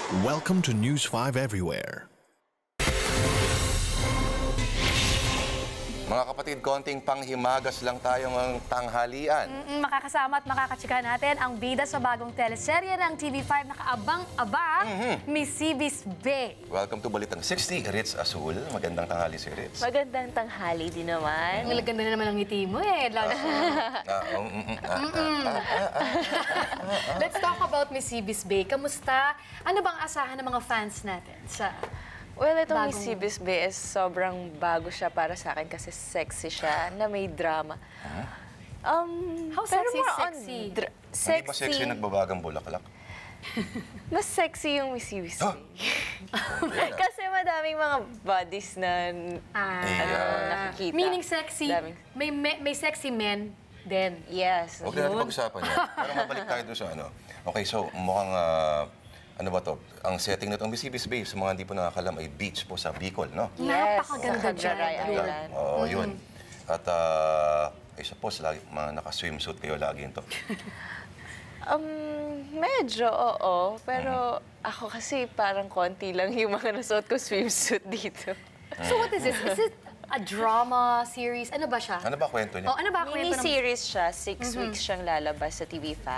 Welcome to News 5 Everywhere. Mga kapatid, konting panghimagas lang tayo ng tanghalian. Makakasama at makakatsika natin ang bida sa bagong teleserye ng TV5 na kaabang-abang, Miss Ibis Bay. Welcome to Balitang 60, Ritz Azul. Magandang tanghali si Ritz. Magandang tanghali din naman. Ang ganda na naman ang ngiti mo eh. Let's talk about Miss Ibis Bay. Kamusta? Ano bang asahan ng mga fans natin sa... Well, itong Miss Ibis Bay is sobrang bago siya para sa akin kasi sexy siya, na may drama. How pero sexy? more on Sexy. Hindi pa sexy nagbabagang bulaklak? Mas sexy yung Miss Ibis Bay. Kasi madaming mga bodies na nakikita. Meaning sexy, Daming. may sexy men din. Yes. Huwag na natin pag-usapan yan. Pero mabalik tayo doon sa ano. Okay, so mukhang, ano ba to? Ang setting na itong Miss Ibis Bay, sa mga hindi po nakakalam, ay beach po sa Bicol, no? Yes, Napakaganda sa dyan. Cagaray Island. Oo, yun. At, I suppose, lagi, mga naka-swimsuit kayo lagi ito. Medyo, oo. Pero ako kasi parang konti lang yung mga nasuot ko swimsuit dito. So what is this? Is it a drama series? Ano ba siya? Ano ba kwento niya? Oh, ano ba kwento ng... Mini-series siya. 6 weeks siyang lalabas sa TV5.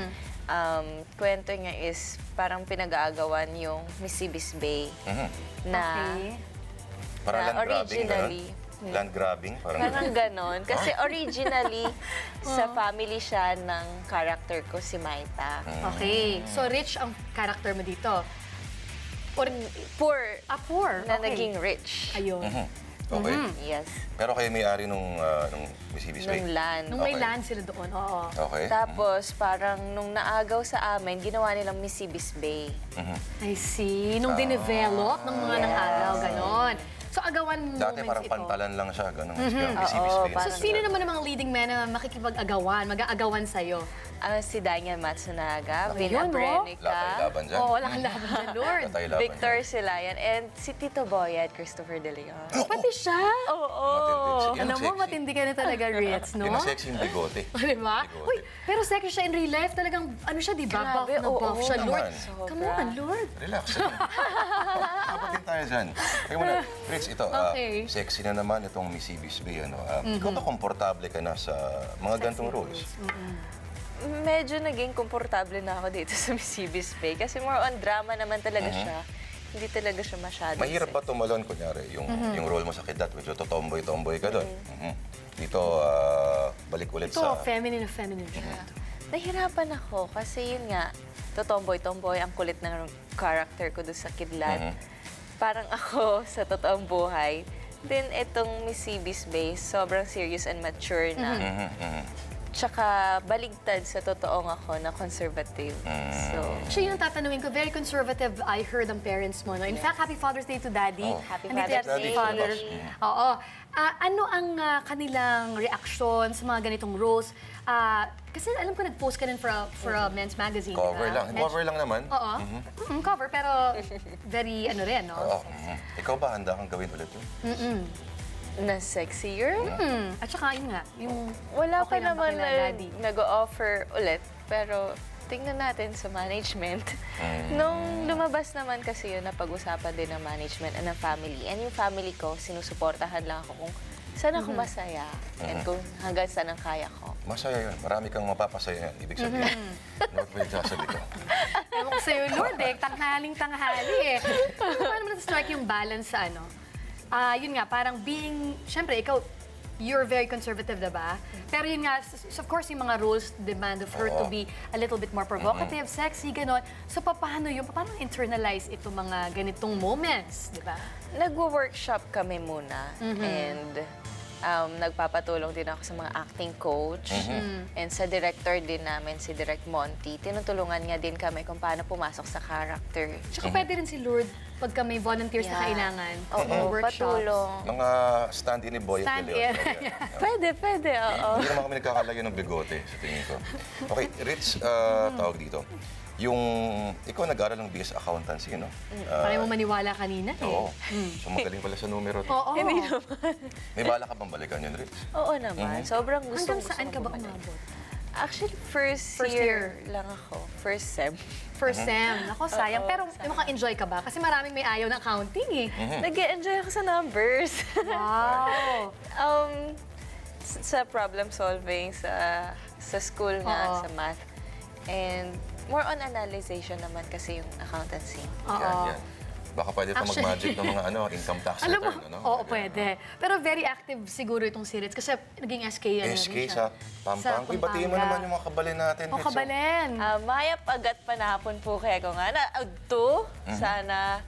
Kwento niya is parang pinag-aagawan yung Miss Ibis Bay na, Okay. Para na land grabbing, originally. gano'n? Land grabbing? Parang ganon. Kasi originally, sa family siya ng character ko, si Maita. Okay. So rich ang character mo dito. Or, Poor poor. na Okay. naging rich. Ayun. Okay. Yes. Pero kayo may-ari nung Miss Ibis Bay? Nung land. Nung may Okay. land sila doon, oo. Okay. Tapos, parang nung naagaw sa amin, ginawa nilang Miss Ibis Bay. I see. Nung dinevelop ng mga nang-agaw, ganon. So agawan Dati moments parang ito. pantalan lang siya, gano'n. Miss Ibis Bay. So sino naman ang mga leading men na makikipag-agawan, mag-aagawan sa'yo? Si Daniel Matsunaga, Okay, Vina yun, no? Wala Brenica, tayong laban dyan. Oo, wala kang laban dyan, Lord. Wala tayong laban Victor dyan. Silayan, and si Tito Boy at Christopher De Leon. Pati siya? Oo. Matindi. Yan Alam ang mo, sexy. matindi ka na talaga, Ritz, no? Yan ang sexy yung bigote. Diba? Bigote. Uy, pero sexy siya in real life. Talagang, ano siya, di ba? Buff Grabe, na oo, buff siya, Lord. naman. Come on, Lord. Relax. Kapatin tayo dyan. Kaya muna, Ritz, ito, Okay. sexy na naman itong Miss Ibis Bay. Ano? Ikaw ba komportable ka na sa mga gantong roles? Medyo naging komportable na ako dito sa Miss Ibis Bay kasi more on drama naman talaga siya. Hindi talaga siya masyado. Mahirap ba tumalon, kunyari, yung role mo sa Kidat, medyo tomboy-tomboy ka doon. Dito, balik ulit Ito, sa... feminine na feminine siya. Nahirapan ako kasi yun nga, totomboy-tomboy, ang kulit ng character ko doon sa Kidlat. Parang ako sa totoong buhay. Then itong Miss Ibis Bay, sobrang serious and mature na. Tsaka baligtad sa totoong ako na conservative. So, Siya yung tatanungin ko, very conservative, I heard ang parents mo. No? In fact, Happy Father's Day to Daddy. Happy Andito Father's yan si Day. Father. Oo. Ano ang kanilang reaksyon sa mga ganitong roles? Kasi alam ko, nag-post ka din for a men's magazine. Cover diba? lang. Cover lang naman. Oo. Cover, pero very ano rin, no? Oo. Ikaw ba, handa kang gawin ulit yun? na sexier. At saka yun nga, yung Wala okay pa lang ba naman kila na Daddy? nag-o-offer ulit. Pero tingnan natin sa management. Nung lumabas naman kasi yun, napag-usapan din ng management and ng family. And yung family ko, sinusuportahan lang ako kung saan ako masaya and kung hanggang saan ang kaya ko. Masaya yun. Marami kang mapapasaya yan. Ibig sabihin. Not with sasabi ko. Ewan ko sa'yo, Lord, tanghaling-tanghali eh. Paano mo na-strike yung balance sa ano? Yun nga, parang being, syempre, ikaw, you're very conservative, diba? Pero yun nga, of course, yung mga rules demand of her to be a little bit more provocative, sexy, ganon. So, paano internalize itong mga ganitong moments, diba? Nagwo-workshop kami muna and nagpapatulong din ako sa mga acting coach and sa director din namin, si Direct Monty. Tinutulungan niya din kami kung paano pumasok sa character. Tsaka pwede rin si Lord pagka may volunteers na kailangan. Oo, patulong. Mga stand-in ni Boy at Stand-in. Pwede, oo. Hindi naman kami nagkakalayo ng bigote, sa tingin ko. Okay, Ritz, tawag dito. Yung, ikaw nag-aral ng BS Accountancy, no? Parang mo maniwala kanina eh. Oo. So magaling pala sa numero. Oo. Hindi naman. May bala ka bang balikan yun, Ritz? Oo naman. Sobrang gusto Hanggang saan ka ba umabot? Actually, first year lang ako. First sem. First sem. Ako, sayang. Pero maka-enjoy ka ba? Kasi maraming may ayaw ng accounting eh. Nag-enjoy ako sa numbers. Wow! Sa problem solving, sa school nga, sa math. And more on analyzation naman kasi yung accountancy. Yan. Baka pwede pa mag-magic ng mga income tax Alam mo, return, ano? oo, pwede. Pero very active siguro itong si Ritz kasi naging SK yan. SK sa Pampanga. Uy, batiin mo naman yung mga kabalin natin. O, kabalin. Maya pagat panahapon po kaya ko nga na agto, sana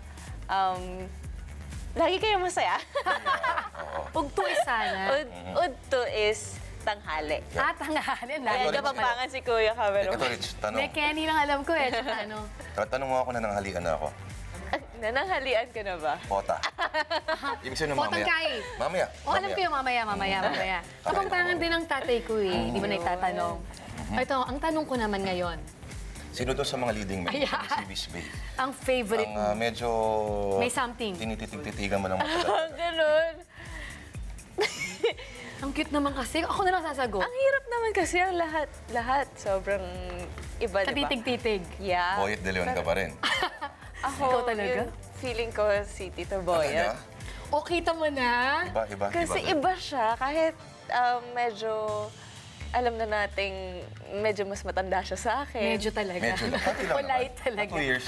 lagi kayo masaya. Ugto is sana. Udto is tanghali. Tanghali. Kaya kapampangan si Kuya Cameron. Ito, Rich, tanong. May Kenny lang alam ko eh. Tsaka ano. Tanong mo ako na nanghalian na ako. Nananghalian ka na ba? Pota. Ibig sabihin mamaya. Potangkay. Mamaya. O, alam ko yung mamaya. Kapampangan din ang tatay ko eh. Hindi mo na itatanong. Ito, ang tanong ko naman ngayon. Sino doon sa mga leading men Ayan. sa CB's Bay? Ang favorite mo. Ang medyo... May something. Tinititig-titigan mo ng matagal. Ganun. Ang cute naman kasi. Ako na lang sasagot. Ang hirap naman kasi ang lahat. Sobrang iba, di ba? Katitig-titig. Yeah. Boyet de Leon ka pa rin. Ako, Ikaw talaga? yung feeling ko si Tito Boyet. Talaga? O, kita mo na. Iba. Kasi iba siya, kahit medyo alam na nating medyo mas matanda siya sa akin. Medyo talaga. Medyo lang. Pati lang Polite naman. talaga. 2 years.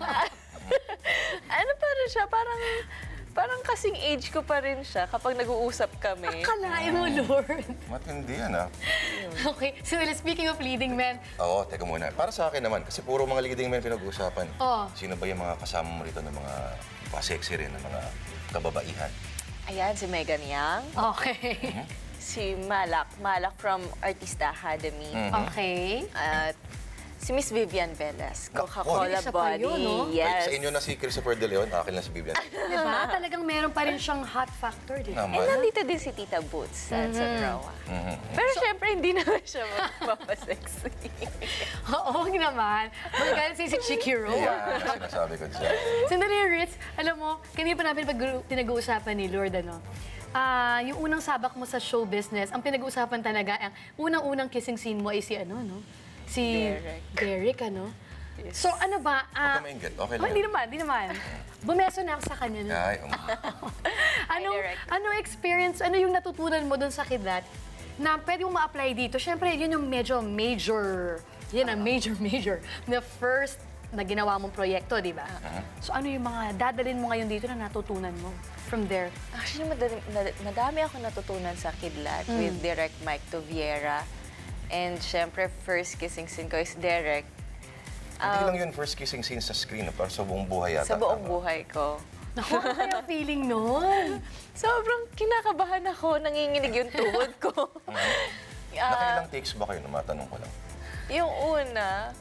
Ano pa rin siya, parang kasing age ko pa rin siya kapag nag-uusap kami. Kalain mo, Lord. Matindi yan, ha? Okay, so speaking of leading men, Oo, teka muna. Para sa akin naman, kasi puro mga leading men pinag-uusapan. Oo. Sino ba yung mga kasama mo rito ng mga pa-sexy rin, ng mga kababaihan? Ayan, si Megan Yang, okay. si Malak from Artista Academy, Okay. at si Miss Vivian Velez, Coca-Cola isa pa Body. yun, no? Yes. Sa inyo na si Christopher De Leon, akin lang si Vivian. Diba? Talagang meron pa rin siyang hot factor, di ba? And Naman. nandito din si Tita Boots sa Rawa. Pero syempre, hindi naman siya mapapasexy. Oo naman. Magagalit si Chicky Rose. Yeah, sinasabi ko dyan. Sandali, Ritz, alam mo, kanina pa namin pinag-uusapan ni Lord, ano? Yung unang sabak mo sa show business, ang pinag-uusapan talaga, ang unang-unang kissing scene mo ay si ano, no? Si Derek, ano? Yes. So, ano ba? Huwag ka mainggit, okay lang. Hindi naman. Bumeso na ako sa kanya. No? Ay, Derek. Ano experience, ano yung natutunan mo doon sa Kidlat na pwede mo ma-apply dito? Siyempre, yun yung medyo major, yan ang major, na first na ginawa mong proyekto, di ba? So, ano yung mga dadalhin mo ngayon dito na natutunan mo from there? Actually, madami ako natutunan sa Kidlat with Direct Mike Toviera. And syempre, first kissing scene ko is Derek. hindi lang yun first kissing scene sa screen, para sa buong buhay yata. Sa buong tama? buhay ko. Naku, ano kaya feeling nun? Sobrang kinakabahan ako, nanginginig yung tuhod ko. Nakailang takes ba kayo? Matanong ko lang. Yung una,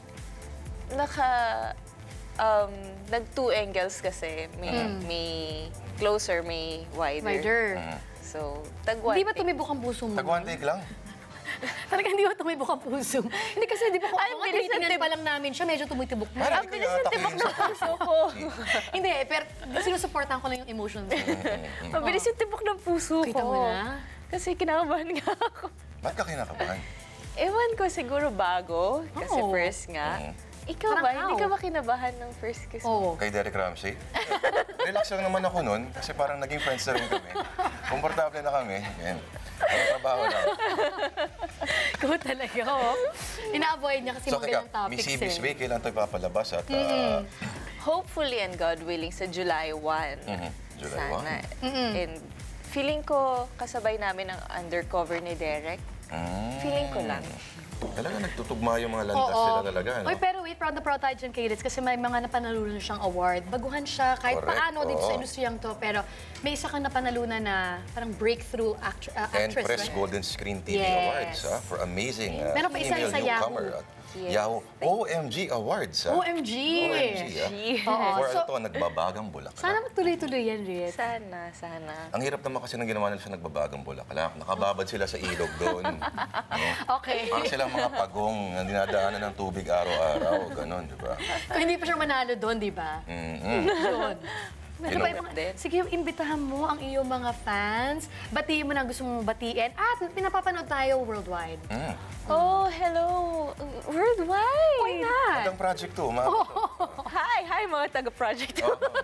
nag-two angles kasi. May closer, may wider. Wider. So, tag-one Hindi ba take. tumibok ang puso mo? Tag-one take lang. Talagang hindi ba tumibok ang puso? Hindi kasi, di ba, Ay, kung bilis tinitingnan ng pa lang namin siya, medyo tumitibok na. Parang Ang bilis ng tibok ng puso ko. Hindi, pero sinusuportahan ko lang yung emotions. Ang bilis yung tibok ng puso ko. Kita mo na? Kasi kinakabahan nga ako. Ba't ka kinakabahan? Ewan ko, siguro bago. Kasi Oo. first nga. Ikaw Parang ba? how? Hindi ka ba kinabahan ng first kiss mo? Oo. Kay Derek Ramsey? Relax lang naman ako nun, kasi parang naging friends na rin kami. Komportable na kami. Yan. Ang trabaho lang. Ikaw talaga, oh. Ina-avoid niya kasi So, mabilang teka, topics Miss CB's Bay, kailan ito ipapalabas? At, Hopefully and God willing sa July 1. July Sana. And feeling ko kasabay namin ang undercover ni Derek. Feeling ko lang. Talaga nagtutugma yung mga landas sila talaga, no? Uy, pero wait, proud tayo dyan kay Ritz kasi may mga napanalunan siyang award. Baguhan siya kahit Correct, paano dito sa oo. industriyang to. Pero may isa kang napanalunan na parang breakthrough actress, Press right? Golden Screen TV Yes. Awards for amazing Meron pa isa female sa newcomer Yahoo. at Yes. Yahoo OMG Awards. OMG! OMG, Oo. For So, ito, nagbabagang bulak. sana magtuloy-tuloy yan, Ritz. Sana. Ang hirap naman kasi nang ginawa nila sa nagbabagang bulak. Nakababad sila sa ilog doon. Okay. Parang silang mga pagong na dinadaanan ng tubig araw-araw. Ganon, di ba? Kung hindi pa siya manalo doon, di ba? Yun. Ano ba yung mga- Sige, imbitahan mo ang iyong mga fans. Batiin mo na gusto mong batiin. At pinapapanood tayo worldwide. Oh, hello! Worldwide! Why not? Magandang project to. Hi, mga taga-project.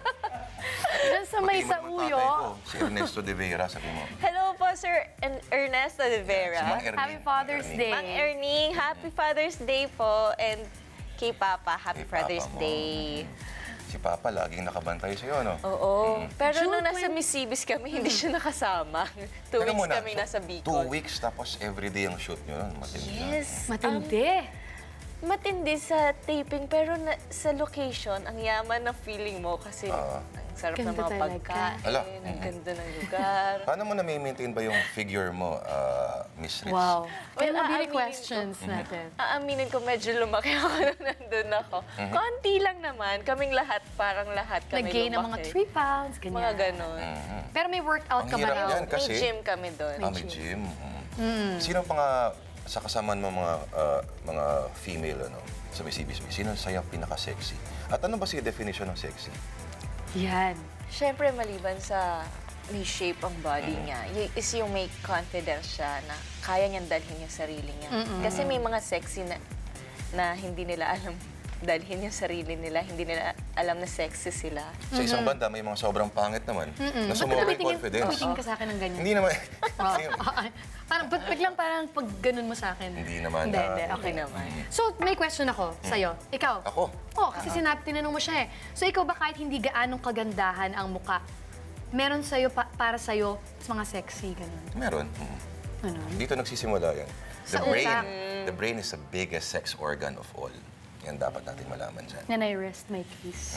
Diyan sa may Batiin mo sa naman uyo. tatay ko, si Ernesto de Vera, sabi mo. Hello po, Sir Ernesto de Si Vera. Mang Ernie. Happy Father's Ernie. Day. Mang Ernie, Happy Father's Day po. And kay Papa, Happy Kay Father's Papa mo. Day. Si Papa laging nakabantay sa'yo, no? Oo. Pero June nung nasa 20 Mississippi kami, hindi siya nakasama. 2 Teka weeks muna, kami so, nasa 2 Bicol. weeks tapos everyday ang shoot nyo. Matindi na. Yes. Matindi. Matindi sa taping, pero sa location, ang yaman ng feeling mo kasi ang sarap ng Ganda mga talaga. pagkain, Ala. ang ganda ng lugar. Paano mo na-maintain ba yung figure mo, Miss Ritz? Wow. Well, Well, mabili aaminin questions natin. Aaminin ko, medyo lumaki ako nung nandun ako. Konti lang naman, kaming lahat, parang lahat kami Nag-gain ng mga lumaki. 3 pounds, ganyan. Mga ganon. Pero may workout Ang ka ba hirap raw? yan. Kasi- May gym kami doon. May gym. Sino pa nga sa kasamaan mo mga female sa Miss sino sa'yo ang pinaka-sexy? At ano ba si definition ng sexy? Yan. Siyempre, maliban sa may shape ang body niya, is yung may confidence siya na kaya niyang dalhin yung sarili niya. Kasi may mga sexy na hindi nila alam dalhin yung sarili nila, hindi nila alam na sexy sila. Sa isang banda, may mga sobrang pangit naman na sumobra yung confidence. Tumitingin ka sa akin ng ganyan. Hindi naman. Parang biglang parang pag ganun mo sa akin. Hindi naman, Hindi, ah, okay hindi naman. So, may question ako sa'yo. Ikaw? Ako? Oo, kasi tinanong mo siya eh. So, ikaw ba kahit hindi gaanong kagandahan ang muka, meron sa'yo, para sa'yo, mga sexy, ganun? Meron. Ano? Dito nagsisimula yan. Sa utak. The brain is the biggest sex organ of all. Yan dapat natin malaman dyan. And I rest my case.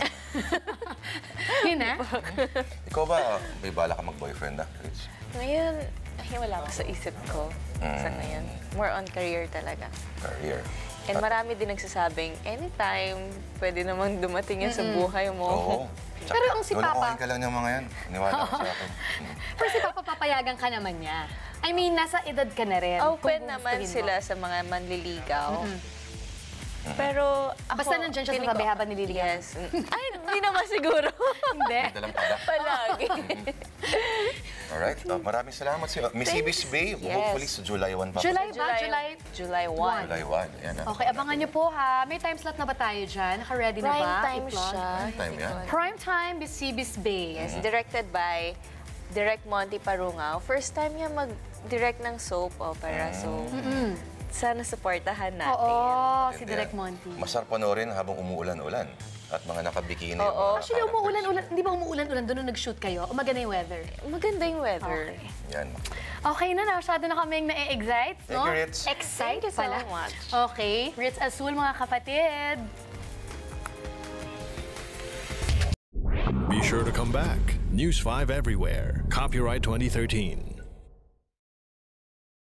Yun na? Ikaw ba, may bala ka mag-boyfriend na, Rich? Ngayon, wala ka sa isip ko sa ngayon. More on career talaga. Career. And marami din nagsasabing, anytime, pwede namang dumating yan sa buhay mo. Oo. Tsaka, Pero ang si Papa- lolokohin ka lang ng mga yan. Niwala ka sa akin. Pero si Papa, papayagan ka naman niya. I mean, nasa edad ka na rin. Open Kung naman gustuhin mo. sila sa mga manliligaw. Pero ako... Basta nandyan siya sa feeling ko- tabi habang nililigaw. Yes. Ay, hindi naman siguro. Hindi. Dalang pada. Palagi. Alright. Maraming salamat sa'yo. Miss Ibis Bay, Yes. hopefully sa July 1 pa. July ba? July 1. July 1. Yan na. Okay, abangan niyo po ha. May time slot na ba tayo dyan? Naka-ready na ba? Prime time I-plug? siya. Time yan. Prime time, Bisibis Bay. Yes, directed by Direct Monty Parungao. First time niya mag-direct ng soap opera. So, sana supportahan natin. Oo, si Hindi Direk yan. Monty. Masarap panoorin habang umuulan-ulan. At mga nakabikini. yung Oo. mga Actually, characters. umuulan-ulan. Hindi ba umuulan-ulan doon nung nag-shoot kayo? O maganda yung weather? Maganda yung weather. Okay. Yan. Okay na, masyado na kaming na-excite, no? Thank you, Ritz. Excite Thank you so pala. much. Okay, Ritz Azul, mga kapatid. Be sure to come back. News 5 everywhere. Copyright 2013.